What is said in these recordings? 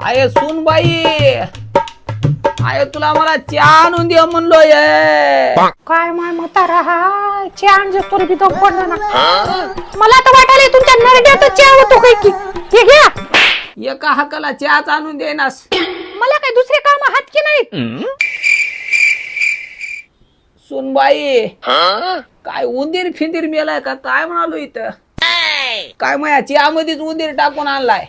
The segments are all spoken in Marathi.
आय सुनबाई, आय तुला मला चहा आणून दे म्हणलोय. काय माय म्हातारा हा चहा आणजे तोरी बी दम पडला ना. मला तर वाटायला तुमच्या नरड्यात चहा होतो काय की. हे घ्या एका हाकाला चहाच आणून देनास. मला काय दुसरे काम हात की नाहीत. सुनबाई काय उंदीर फिंदीर मेलाय का काय म्हणालो इथं. काय माया चहामध्येच उंदीर टाकून आणलाय.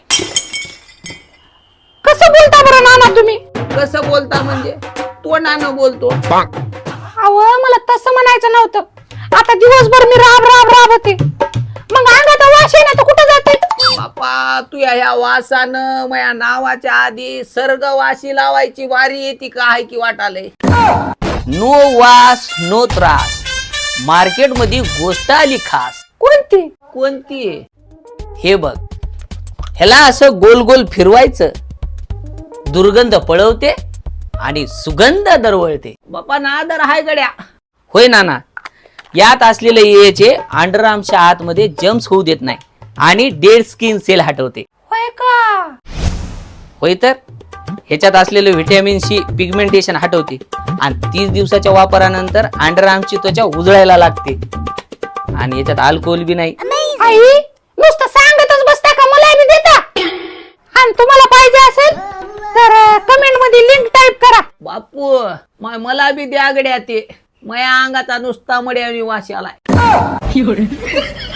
कसं बोलता बरं नाना तुम्ही. कसं बोलता म्हणजे तोंडानं बोलतो. अहो मला तसं म्हणायचं नव्हतं. आता दिवसभर मी राब राब राब होते, मग अंगात वास आहे ना तर कुठं जाते. बापा तू ह्या वासानं माझ्या नावाच्या आधी सर्ग वाशी लावायची वारी येते का आहे की वाटालय. नो वास नो त्रास. मार्केट मध्ये गोष्ट आली खास. कोणती कोणती. हे बघ, ह्याला असं गोल गोल फिरवायचं, दुर्गंध पळवते आणि सुगंध दरवळते. बापा नादर हाय गड्या. होय नाना, यात असलेले एचे अंडरआर्मच्या आतमध्ये जम्स होऊ देत नाही आणि डेड स्किन सेल हटवते. होय का. होय तर ह्याच्यात असलेले व्हिटॅमिन सी पिगमेंटेशन हटवते आणि 30 दिवसाच्या वापरानंतर अंडरआर्मची त्वचा उजळायला लागते. आणि याच्यात अल्कोहोल बी नाही. आई नुसतं सांगतच बसता का, मला बी देता. आणि तुम्हाला पाहिजे असेल तर कमेंट मध्ये लिंक टाईप करा. बापू मला बी द्या गड्या ते. माझ्या अंगाचा नुसता मड्यानी वास आलाय.